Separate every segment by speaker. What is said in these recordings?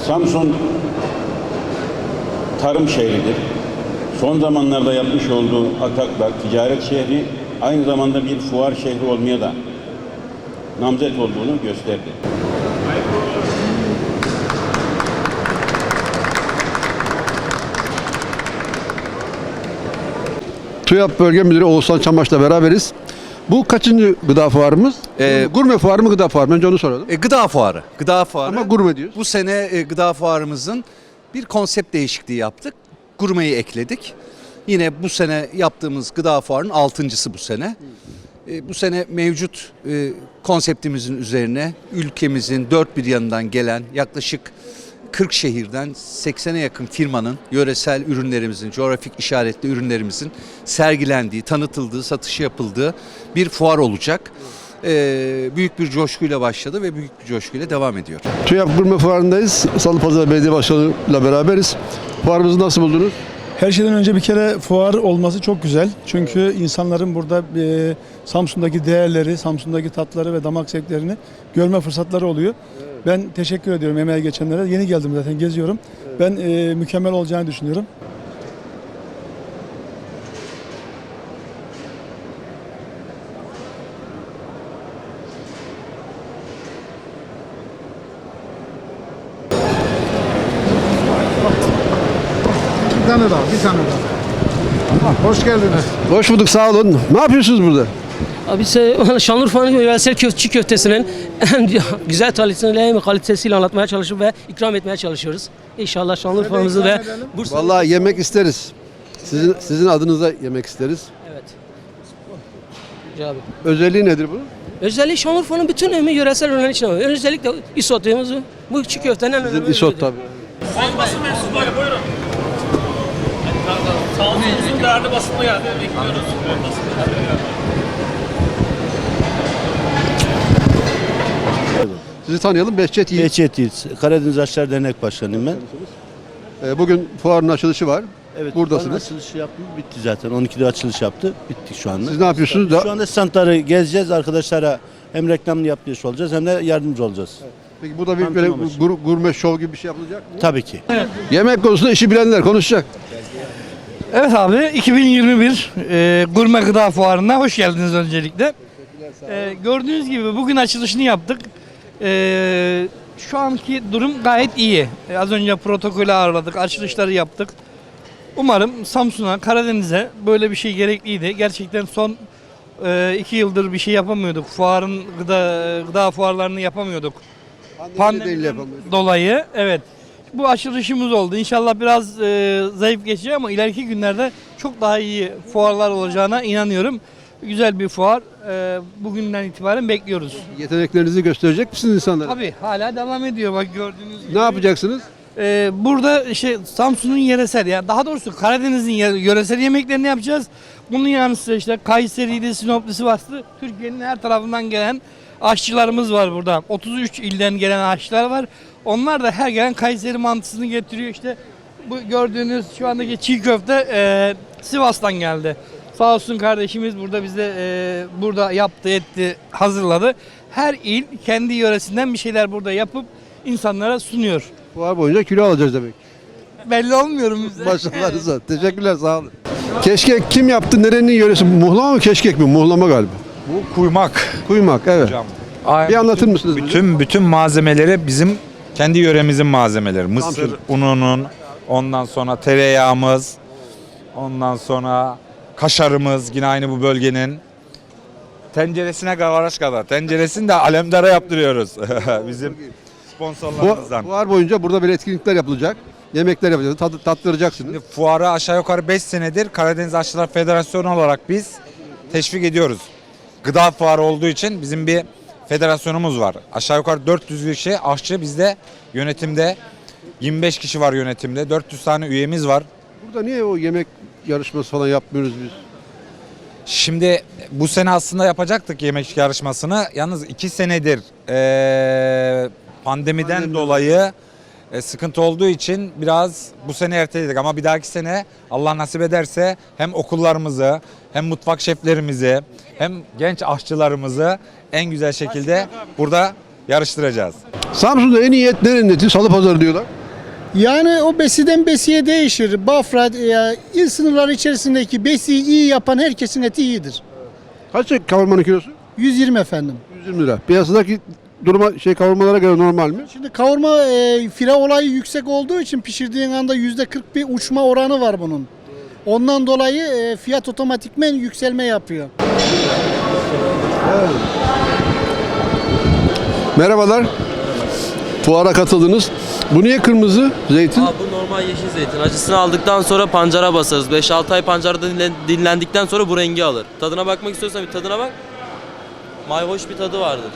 Speaker 1: Samsun tarım şehridir. Son zamanlarda yapmış olduğu ataklar ticaret şehri, aynı zamanda bir fuar şehri olmaya da namzet olduğunu gösterdi.
Speaker 2: TÜYAP Bölge Müdürü Oğuzhan Çamaş'la beraberiz. Bu kaçıncı gıda fuarımız? Gurme fuarı mı, gıda fuarı mı? Önce onu soralım.
Speaker 3: Gıda fuarı. Gıda fuarı.
Speaker 2: Ama gurme diyoruz.
Speaker 3: Bu sene gıda fuarımızın bir konsept değişikliği yaptık. Gurmeyi ekledik. Yine bu sene yaptığımız gıda fuarının 6.'sı bu sene. Bu sene mevcut konseptimizin üzerine ülkemizin dört bir yanından gelen yaklaşık 40 şehirden 80'e yakın firmanın yöresel ürünlerimizin, coğrafik işaretli ürünlerimizin sergilendiği, tanıtıldığı, satışı yapıldığı bir fuar olacak. Büyük bir coşkuyla başladı ve büyük bir coşkuyla devam ediyor.
Speaker 2: TÜYAP Gurme Fuarı'ndayız. Salıpazarı Belediye Başkanı'yla beraberiz. Fuarımızı nasıl buldunuz?
Speaker 4: Her şeyden önce bir kere fuar olması çok güzel. Çünkü insanların burada Samsun'daki değerleri, Samsun'daki tatları ve damak zevklerini görme fırsatları oluyor. Ben teşekkür ediyorum emeğe geçenlere. Yeni geldim zaten, geziyorum. Ben mükemmel olacağını düşünüyorum.
Speaker 5: Bir tane daha. Hoş geldiniz.
Speaker 2: Hoş bulduk, sağ olun. Ne yapıyorsunuz burada?
Speaker 6: Abi Şanlıurfa'nın yöresel çiğ köftesinin en güzel kalitesiyle anlatmaya çalışıp ve ikram etmeye çalışıyoruz. İnşallah Şanlıurfa'mızı ve Bursa'yı...
Speaker 2: Vallahi yemek isteriz. Sizin adınıza yemek isteriz.
Speaker 6: Evet. Abi.
Speaker 2: Özelliği nedir bu?
Speaker 6: Özellikle Şanlıurfa'nın bütün yöresel ürünler içine var. Özellikle isotumuzu, bu çiğ köftenin en önemli
Speaker 2: Isot tabii.
Speaker 7: Sayın basın mensupları buyurun. Sağolunuzun değerli basını geldi. Bekliyoruz.
Speaker 2: Sizi tanıyalım. Behçet Yiğit.
Speaker 8: Behçet Yiğit, Karadeniz Aşçılar Dernek Başkanıyım ben.
Speaker 2: Bugün fuarın açılışı var.
Speaker 8: Evet,
Speaker 2: Buradasınız.
Speaker 8: açılışı yaptım, bitti zaten. 12'de açılış yaptı, bittik şu anda.
Speaker 2: Siz ne yapıyorsunuz?
Speaker 8: Şu anda standları gezeceğiz, arkadaşlara hem reklamını yapmış olacağız hem de yardımcı olacağız.
Speaker 2: Peki burada bir böyle gurme şov gibi bir şey yapılacak mı?
Speaker 8: Tabii ki.
Speaker 2: Yemek konusunda işi bilenler konuşacak.
Speaker 9: Evet abi, 2021 Gurme Gıda Fuarı'na hoş geldiniz öncelikle. Gördüğünüz gibi bugün açılışını yaptık. Şu anki durum gayet iyi. Az önce protokolü ağırladık, açılışları yaptık. Umarım Samsun'a, Karadeniz'e böyle bir şey gerekliydi. Gerçekten son 2 yıldır bir şey yapamıyorduk. Gıda fuarlarını yapamıyorduk. Pandemiden dolayı. Evet. Bu açılışımız oldu. İnşallah biraz zayıf geçecek ama ileriki günlerde çok daha iyi fuarlar olacağına inanıyorum. Güzel bir fuar. Bugünden itibaren bekliyoruz.
Speaker 2: Yeteneklerinizi gösterecek misiniz insanlara?
Speaker 9: Tabii hala devam ediyor bak gördüğünüz gibi.
Speaker 2: Ne yapacaksınız?
Speaker 9: Burada Samsun'un yöresel, yani daha doğrusu Karadeniz'in yöresel yemeklerini yapacağız. Bunun yanı sıra işte Kayseri'de, Sinop'lu, Sivas'lı Türkiye'nin her tarafından gelen aşçılarımız var burada. 33 ilden gelen aşçılar var. Onlar da her gelen Kayseri mantısını getiriyor. İşte bu gördüğünüz şu andaki çiğ köfte Sivas'tan geldi. Sağ olsun kardeşimiz burada bize burada yaptı, etti, hazırladı. Her il kendi yöresinden bir şeyler burada yapıp insanlara sunuyor.
Speaker 2: Fuar boyunca kilo alacağız demek.
Speaker 9: Belli olmuyorum bize.
Speaker 2: Başarılarınızla. Teşekkürler, sağ olun. Keşkek kim yaptı? Nerenin yöresi? Muhlama mı, keşkek mi? Muhlama galiba.
Speaker 10: Bu kuymak.
Speaker 2: Kuymak, evet.
Speaker 10: Hocam.
Speaker 2: Bir anlatır mısınız?
Speaker 10: Bütün malzemeleri bizim kendi yöremizin malzemeleri. Mısır ununun, ondan sonra tereyağımız, ondan sonra kaşarımız yine aynı bu bölgenin. Tenceresine gavaraş kadar. Tenceresini de Alemdar'a yaptırıyoruz. Bizim sponsorlarımızdan.
Speaker 2: Fuar boyunca burada böyle etkinlikler yapılacak. Yemekler yapacağız. Tattıracaksınız.
Speaker 10: Şimdi fuarı aşağı yukarı 5 senedir Karadeniz Aşçılar Federasyonu olarak biz teşvik ediyoruz. Gıda fuarı olduğu için bizim bir federasyonumuz var. Aşağı yukarı 400 kişi aşçı bizde yönetimde. 25 kişi var yönetimde. 400 tane üyemiz var.
Speaker 2: Burada niye o yemek yarışması falan yapmıyoruz biz?
Speaker 10: Şimdi bu sene aslında yapacaktık yemek yarışmasını. Yalnız 2 senedir pandemiden dolayı sıkıntı olduğu için biraz bu sene erteledik. Ama bir dahaki sene Allah nasip ederse hem okullarımızı hem mutfak şeflerimizi hem genç aşçılarımızı en güzel şekilde burada yarıştıracağız.
Speaker 2: Samsun'da en iyi et nerenin eti? Salıpazarı diyorlar.
Speaker 5: Yani o besiden besiye değişir. Bafra, il sınırları içerisindeki besiyi iyi yapan herkesin eti iyidir.
Speaker 2: Kaç kavurmanın kilosu?
Speaker 5: 120 efendim.
Speaker 2: 120 lira. Piyasadaki duruma kavurmalara göre normal mi?
Speaker 5: Şimdi kavurma fire olayı yüksek olduğu için pişirdiğin anda %40 bir uçma oranı var bunun. Ondan dolayı fiyat otomatikmen yükselme yapıyor.
Speaker 2: Merhabalar. Fuara katıldınız. Bu niye kırmızı zeytin?
Speaker 11: Bu normal yeşil zeytin. Acısını aldıktan sonra pancara basarız. 5-6 ay pancarda dinlendikten sonra bu rengi alır. Tadına bakmak istiyorsan bir tadına bak. Mayhoş bir tadı vardır.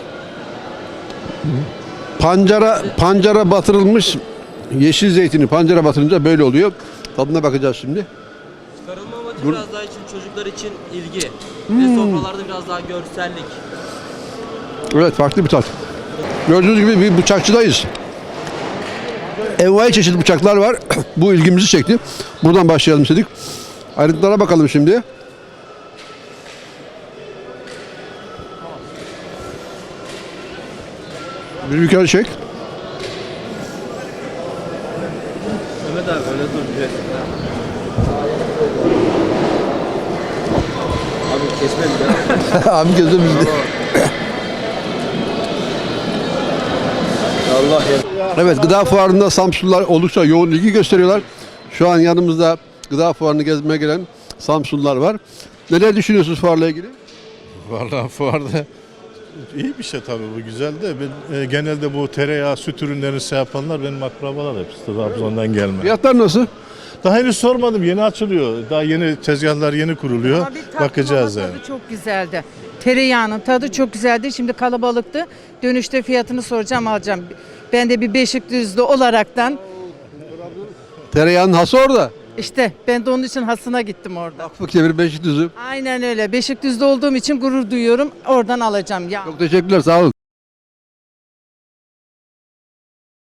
Speaker 2: Pancara batırılmış yeşil zeytini pancara batırınca böyle oluyor. Tadına bakacağız şimdi.
Speaker 11: Çıkarılma amacı biraz daha için çocuklar için ilgi. Ve sofralarda biraz daha görsellik.
Speaker 2: Evet, farklı bir tat. Gördüğünüz gibi bir bıçakçıdayız. Envai çeşit bıçaklar var. Bu ilgimizi çekti. Buradan başlayalım istedik. Ayrıntılara bakalım şimdi. Bir yukarı çek.
Speaker 11: Mehmet abi öyle dur. Abi kesmedi ya.
Speaker 2: Abi gözüm bizde.
Speaker 11: Allah ya.
Speaker 2: Evet, gıda fuarında Samsunlular oldukça yoğun ilgi gösteriyorlar. Şu an yanımızda gıda fuarını gezmeye gelen Samsunlular var. Neler düşünüyorsunuz fuarla ilgili?
Speaker 12: Vallahi fuarda iyi bir şey tabii, bu güzel de ben, genelde bu tereyağı, süt ürünlerini şey yapanlar benim akrabalar hepsi Trabzon'dan gelme.
Speaker 2: Fiyatlar nasıl?
Speaker 12: Daha henüz sormadım, yeni açılıyor. Daha yeni tezgahlar yeni kuruluyor. Bakacağız yani.
Speaker 13: Tadı çok güzeldi. Tereyağının tadı çok güzeldi. Şimdi kalabalıktı. Dönüşte fiyatını soracağım, alacağım. Ben de bir Beşikdüzlü olaraktan
Speaker 2: Tereyağının hası orada.
Speaker 13: işte ben de onun için hasına gittim orada.
Speaker 2: Akbük'te Beşikdüzü.
Speaker 13: Aynen öyle. Beşikdüzlü olduğum için gurur duyuyorum. Oradan alacağım. Ya.
Speaker 2: Çok teşekkürler, sağ olun.